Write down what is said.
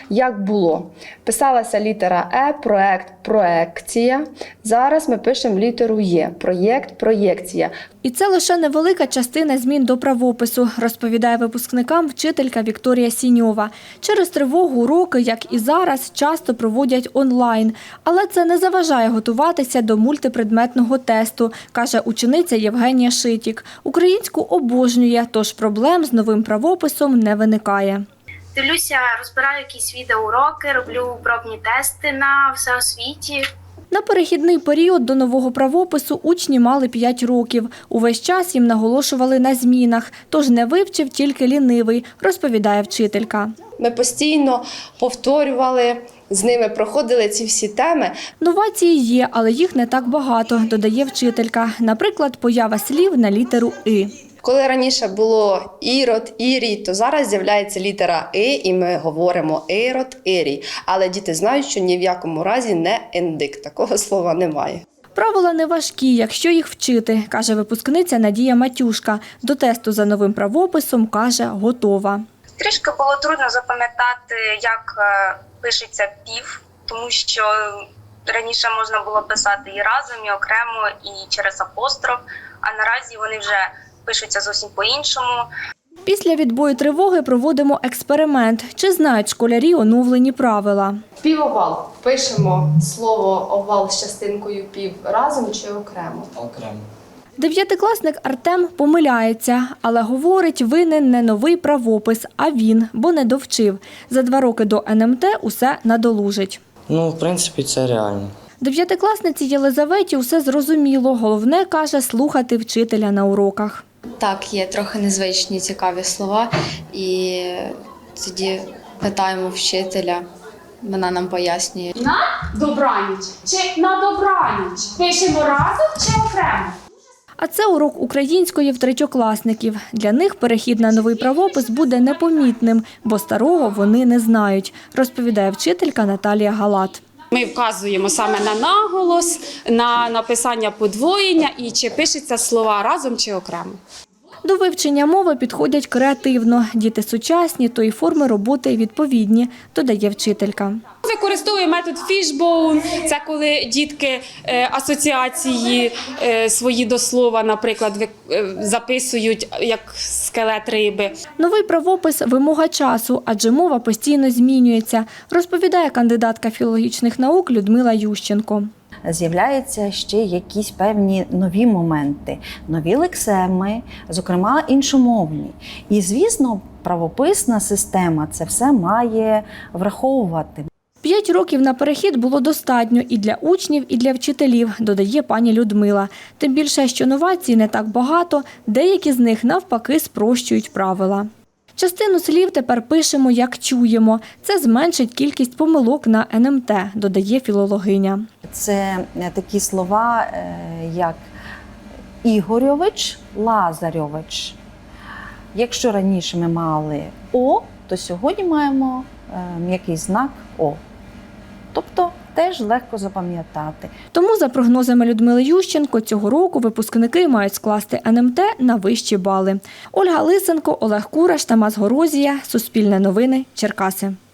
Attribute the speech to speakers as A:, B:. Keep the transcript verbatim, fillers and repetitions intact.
A: як було. Писалася літера Е, проект, проекція. Зараз ми пишемо літеру Є, проєкт, проєкція.
B: І це лише невелика частина змін до правопису, розповідає випускникам вчителька Вікторія Сіньова. Через тривогу уроки, як і зараз, часто проводять онлайн. Але це не заважає готуватися до мультипредметного тесту, каже учениця Євгенія Шитік. Українську обожнює, тож проблем з новим правописом не виникає.
C: Дивлюся, розбираю якісь відеоуроки, роблю пробні тести на всеосвіті.
B: На перехідний період до нового правопису учні мали п'ять років. Увесь час їм наголошували на змінах, тож не вивчив тільки лінивий, розповідає вчителька.
A: Ми постійно повторювали, з ними проходили ці всі теми.
B: Новації є, але їх не так багато, додає вчителька. Наприклад, поява слів на літеру «и».
A: Коли раніше було ірод, ірій, то зараз з'являється літера «и» і ми говоримо ірод, ірій. Але діти знають, що ні в якому разі не індик. Такого слова немає.
B: Правила не важкі, якщо їх вчити, каже випускниця Надія Матюшка. До тесту за новим правописом, каже, готова.
C: Трішки було трудно запам'ятати, як пишеться пів, тому що раніше можна було писати і разом, і окремо, і через апостроф, а наразі вони вже пишуться зовсім по-іншому.
B: Після відбою тривоги проводимо експеримент. Чи знають школярі оновлені правила?
A: Півовал. Пишемо слово овал з частинкою пів разом чи окремо?
D: Окремо.
B: Дев'ятикласник Артем помиляється, але говорить, винен не новий правопис, а він, бо не довчив. За два роки до ен ем те усе надолужить.
D: Ну, в принципі, це реально.
B: Дев'ятикласниці Єлизаветі усе зрозуміло. Головне, каже, слухати вчителя на уроках.
E: Так, є трохи незвичні цікаві слова, і тоді питаємо вчителя, вона нам пояснює.
F: На добраніч чи на добраніч? Пишемо разом чи окремо?
B: А це урок української в третьокласників. Для них перехід на новий правопис буде непомітним, бо старого вони не знають, розповідає вчителька Наталія Галат.
G: Ми вказуємо саме на наголос, на написання подвоєння і чи пишеться слова разом чи окремо.
B: До вивчення мови підходять креативно. Діти сучасні, то й форми роботи відповідні, додає вчителька.
G: Використовуємо метод фішбоун. Це коли дітки асоціації свої до слова, наприклад, записують як скелет риби.
B: Новий правопис – вимога часу, адже мова постійно змінюється, розповідає кандидатка філологічних наук Людмила Ющенко.
H: З'являються ще якісь певні нові моменти, нові лексеми, зокрема іншомовні. І, звісно, правописна система це все має враховувати.
B: П'ять років на перехід було достатньо і для учнів, і для вчителів, додає пані Людмила. Тим більше, що новацій не так багато, деякі з них навпаки спрощують правила. Частину слів тепер пишемо, як чуємо. Це зменшить кількість помилок на ен ем те, додає філологиня.
H: Це такі слова, як Ігорьович, Лазарьович. Якщо раніше ми мали О, то сьогодні маємо м'який знак О. Тобто теж легко запам'ятати.
B: Тому, за прогнозами Людмили Ющенко, цього року випускники мають скласти ен ем те на вищі бали. Ольга Лисенко, Олег Кураш, Тамас Горозія. Суспільне новини. Черкаси.